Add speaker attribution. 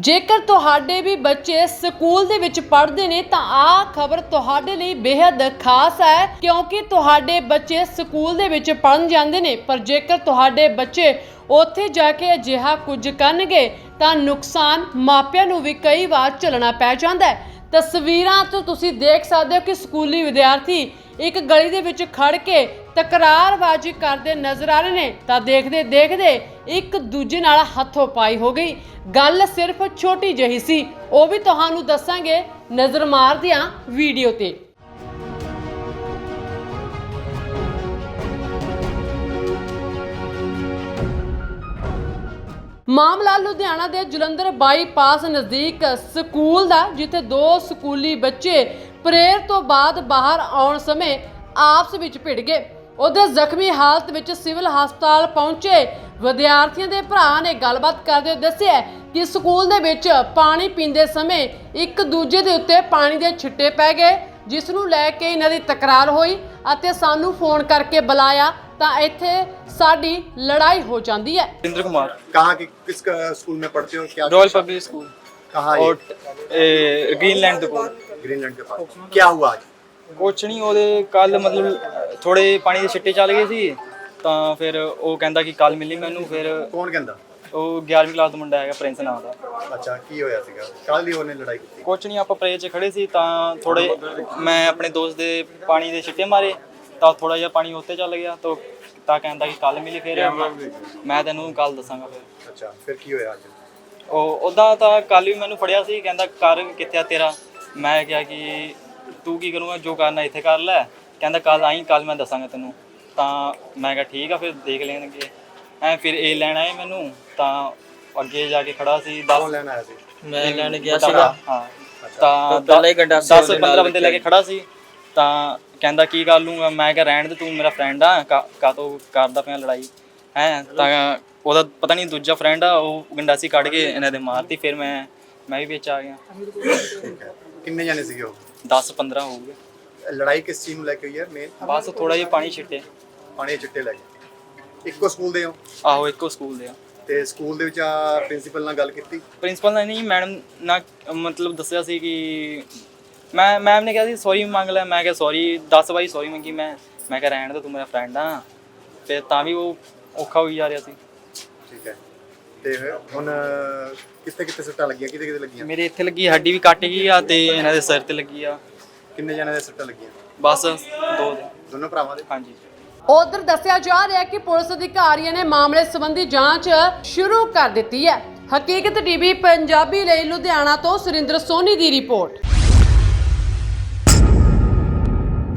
Speaker 1: ਜੇਕਰ ਤੁਹਾਡੇ ਵੀ ਬੱਚੇ ਸਕੂਲ ਦੇ ਵਿੱਚ ਪੜ੍ਹਦੇ ਨੇ ਤਾਂ ਆਹ ਖਬਰ ਤੁਹਾਡੇ ਲਈ ਬੇहद ਖਾਸ ਹੈ, ਕਿਉਂਕਿ ਤੁਹਾਡੇ ਬੱਚੇ ਸਕੂਲ ਦੇ ਵਿੱਚ ਪੜ੍ਹਨ ਜਾਂਦੇ ਨੇ, ਪਰ ਜੇਕਰ ਤੁਹਾਡੇ ਬੱਚੇ ਉੱਥੇ ਜਾ ਕੇ ਅਜਿਹਾ ਕੁਝ ਕਰਨਗੇ ਤਾਂ ਨੁਕਸਾਨ ਮਾਪਿਆਂ ਨੂੰ ਵੀ ਕਈ ਵਾਰ ਝੱਲਣਾ ਪੈ ਜਾਂਦਾ ਹੈ। ਤਸਵੀਰਾਂ ਤੋਂ ਤੁਸੀਂ ਦੇਖ ਸਕਦੇ ਹੋ ਕਿ ਸਕੂਲੀ ਵਿਦਿਆਰਥੀ ਇੱਕ ਗਲੀ ਦੇ ਵਿੱਚ ਖੜ ਕੇ ਤਕਰਾਰਬਾਜ਼ੀ ਕਰਦੇ ਨਜ਼ਰ ਆ ਰਹੇ ਨੇ ਤਾਂ ਦੇਖਦੇ ਦੇਖਦੇ ਇੱਕ ਦੂਜੇ ਨਾਲ ਹੱਥੋਂ ਪਾਈ ਹੋ ਗਈ। ਗੱਲ ਸਿਰਫ ਛੋਟੀ ਜਿਹੀ ਸੀ, ਉਹ ਵੀ ਤੁਹਾਨੂੰ ਦੱਸਾਂਗੇ ਨਜ਼ਰ ਮਾਰਦਿਆਂ ਵੀਡੀਓ ਤੇ। ਮਾਮਲਾ ਲੁਧਿਆਣਾ ਦੇ ਜਲੰਧਰ ਬਾਈਪਾਸ ਨਜ਼ਦੀਕ ਸਕੂਲ ਦਾ, ਜਿੱਥੇ ਦੋ ਸਕੂਲੀ ਬੱਚੇ ਪ੍ਰੇਅਰ ਤੋਂ ਬਾਅਦ ਬਾਹਰ ਆਉਣ ਸਮੇਂ ਆਪਸ ਵਿੱਚ ਭਿੜ ਗਏ। ਉਹਦੇ ਜ਼ਖਮੀ ਹਾਲਤ ਵਿੱਚ ਸਿਵਲ ਹਸਪਤਾਲ ਪਹੁੰਚੇ ਵਿਦਿਆਰਥੀਆਂ ਦੇ ਭਰਾ ਨੇ ਗੱਲਬਾਤ ਕਰਦੇ ਹੋਏ ਦੱਸਿਆ ਕਿ ਸਕੂਲ ਦੇ ਵਿੱਚ ਪਾਣੀ ਪੀਂਦੇ ਸਮੇਂ ਇੱਕ ਦੂਜੇ ਦੇ ਉੱਤੇ ਪਾਣੀ ਦੇ ਛਿੱਟੇ ਪੈ ਗਏ, ਜਿਸ ਨੂੰ ਲੈ ਕੇ ਇਹਨਾਂ ਦੀ ਤਕਰਾਰ ਹੋਈ ਅਤੇ ਸਾਨੂੰ ਫੋਨ ਕਰਕੇ ਬੁਲਾਇਆ ਤਾਂ ਇੱਥੇ साड़ी लड़ाई हो जाती है।
Speaker 2: इंद्र कुमार
Speaker 3: कहाँ की किस स्कूल में पढ़ते हो? क्या
Speaker 2: रॉयल पब्लिक स्कूल
Speaker 3: कहाँ?
Speaker 2: और ग्रीनलैंड के कोल।
Speaker 3: ग्रीनलैंड के पास क्या हुआ आज?
Speaker 2: ਕੁਛ ਨਹੀਂ, ਉਹਦੇ ਕੱਲ ਮਤਲਬ ਥੋੜੇ ਪਾਣੀ ਦੇ ਛਿੱਟੇ ਚੱਲ ਗਏ ਸੀ ਤਾਂ ਫਿਰ ਉਹ ਕਹਿੰਦਾ ਕਿ ਕੱਲ ਮਿਲੀ ਮੈਨੂੰ। ਫਿਰ
Speaker 3: ਕੌਣ ਕਹਿੰਦਾ?
Speaker 2: ਉਹ 11ਵੀਂ ਕਲਾਸ ਦਾ ਮੁੰਡਾ ਹੈਗਾ, ਪ੍ਰਿੰਸ ਨਾਮ ਦਾ।
Speaker 3: ਅੱਛਾ, ਕੀ ਹੋਇਆ ਸੀਗਾ ਕੱਲ ਦੀ ਉਹਨੇ ਲੜਾਈ ਕੀਤੀ?
Speaker 2: ਕੁਛ ਨਹੀਂ, ਆਪਾਂ ਪ੍ਰੇਅਰ 'ਚ ਖੜੇ ਸੀ ਤਾਂ ਥੋੜੇ ਮੈਂ ਆਪਣੇ ਦੋਸਤ ਦੇ ਪਾਣੀ ਦੇ ਛਿੱਟੇ ਮਾਰੇ ਤਾਂ ਥੋੜਾ ਜਿਹਾ ਪਾਣੀ ਉੱਤੇ ਚੱਲ ਗਿਆ ਤਾਂ ਕਹਿੰਦਾ ਕਿ ਕੱਲ ਮਿਲੀ। ਫਿਰ ਮੈਂ ਤੈਨੂੰ ਕੱਲ ਦੱਸਾਂਗਾ। ਫਿਰ
Speaker 3: ਅੱਛਾ, ਫਿਰ ਕੀ ਹੋਇਆ ਅੱਜ?
Speaker 2: ਉਹ ਉੱਦਾਂ ਤਾਂ ਕੱਲ ਵੀ ਮੈਨੂੰ ਫੜਿਆ ਸੀ, ਕਹਿੰਦਾ ਕਰ ਕਿੱਥੇ ਆ ਤੇਰਾ। ਮੈਂ ਕਿਹਾ ਕਿ ਤੂੰ ਕੀ ਕਰੂੰਗਾ, ਜੋ ਕਰਨਾ ਇੱਥੇ ਕਰ ਲੈ। ਕਹਿੰਦਾ ਕੱਲ ਆਈ, ਕੱਲ ਮੈਂ ਦੱਸਾਂਗਾ ਤੈਨੂੰ। ਤਾਂ ਮੈਂ ਕਿਹਾ ਠੀਕ ਆ, ਫਿਰ ਦੇਖ ਲੈਣਗੇ। ਫਿਰ ਇਹ ਲੈਣ ਆਏ ਮੈਨੂੰ ਤਾਂ ਅੱਗੇ ਜਾ ਕੇ ਖੜਾ ਸੀ।
Speaker 3: ਕੌਣ ਲੈਣ ਆਇਆ ਸੀ?
Speaker 2: ਮੈਂ ਲੈਣ ਗਿਆ ਸੀਗਾ। ਹਾਂ, ਤਾਂ 10-15 ਬੰਦੇ ਲੈ ਕੇ ਖੜਾ ਸੀ ਤਾਂ ਕਹਿੰਦਾ ਕੀ ਕਰ ਲੂੰਗਾ। ਮੈਂ ਕਿਹਾ ਰਹਿਣ ਦੇ, ਤੂੰ ਮੇਰਾ ਫਰੈਂਡ ਆ, ਕਾਹਤੋਂ ਕਰਦਾ ਪਿਆ ਲੜਾਈ ਹੈ। ਤਾਂ ਉਹਦਾ ਪਤਾ ਨਹੀਂ ਦੂਜਾ ਫਰੈਂਡ ਆ, ਉਹ ਗੰਡਾਸੀ ਕੱਢ ਕੇ ਇਹਨਾਂ ਦੇ ਮਾਰਤੀ। ਫਿਰ ਮੈਂ ਵੀ ਵਿੱਚ ਆ ਗਿਆ।
Speaker 3: ਠੀਕ ਹੈ, ਕਿੰਨੇ ਜਾਣੇ ਸੀਗੇ ਉਹ?
Speaker 2: 10-15 ਹੋ ਗਏ।
Speaker 3: ਲੜਾਈ ਕਿਸ ਚੀਜ਼ ਨੂੰ ਲੈ ਕੇ ਹੋਈ ਹੈ ਮੇਨ?
Speaker 2: ਬਸ ਥੋੜਾ ਜਿਹਾ ਪਾਣੀ ਛਿੱਟੇ।
Speaker 3: ਪਾਣੀ ਦੇ ਚਿੱਟੇ ਲੈ ਕੇ। ਇੱਕੋ ਸਕੂਲ ਦੇ ਹੋ?
Speaker 2: ਆਹੋ, ਇੱਕੋ ਸਕੂਲ ਦੇ ਆ।
Speaker 3: ਤੇ ਸਕੂਲ ਦੇ ਵਿੱਚ ਪ੍ਰਿੰਸੀਪਲ ਨਾਲ ਗੱਲ ਕੀਤੀ?
Speaker 2: ਪ੍ਰਿੰਸੀਪਲ ਨੇ ਨਹੀਂ, ਮੈਡਮ ਨਾਲ ਮਤਲਬ ਦੱਸਿਆ ਸੀ ਕਿ ਮੈਮ ਨੇ ਕਿਹਾ ਸੀ ਸੌਰੀ ਮੰਗ ਲੈ। ਮੈਂ ਕਿਹਾ ਸੌਰੀ 10 ਵਾਰੀ ਸੌਰੀ ਮੰਗੀ। ਮੈਂ ਕਿਹਾ ਰਹਿਣ ਦੇ, ਤੂੰ ਮੇਰਾ ਫਰੈਂਡ ਆ। ਫਿਰ ਤਾਂ ਵੀ ਉਹ ਔਖਾ ਹੋਈ ਜਾ ਰਿਹਾ ਸੀ।
Speaker 3: ਠੀਕ ਹੈ, ਤੇ ਹੁਣ ਕਿੱਥੇ ਕਿੱਥੇ ਸੱਟਾਂ ਲੱਗੀਆਂ? ਕਿਤੇ ਕਿਤੇ ਲੱਗੀਆਂ?
Speaker 2: ਮੇਰੇ ਇੱਥੇ ਲੱਗੀ, ਹੱਡੀ ਵੀ ਕੱਟ ਗਈ ਆ ਤੇ ਇਹਨਾਂ ਦੇ ਸਿਰ ਤੇ ਲੱਗੀ ਆ।
Speaker 3: ਕਿੰਨੇ ਜਣੇ ਦੇ ਸੱਟਾਂ ਲੱਗੀਆਂ?
Speaker 2: ਬਸ 2 ਦੇ।
Speaker 3: ਦੋਨੋਂ ਭਰਾਵਾਂ ਦੇ?
Speaker 2: ਹਾਂਜੀ।
Speaker 1: ਉਧਰ ਦੱਸਿਆ ਜਾ ਰਿਹਾ ਹੈ ਕਿ ਪੁਲਿਸ ਅਧਿਕਾਰੀਆਂ ਨੇ ਮਾਮਲੇ ਸੰਬੰਧੀ ਜਾਂਚ ਸ਼ੁਰੂ ਕਰ ਦਿੱਤੀ ਹੈ। ਹਕੀਕਤ ਟੀਵੀ ਪੰਜਾਬੀ ਲਈ ਲੁਧਿਆਣਾ ਤੋਂ ਸੁਰਿੰਦਰ ਸੋਨੀ ਦੀ ਰਿਪੋਰਟ।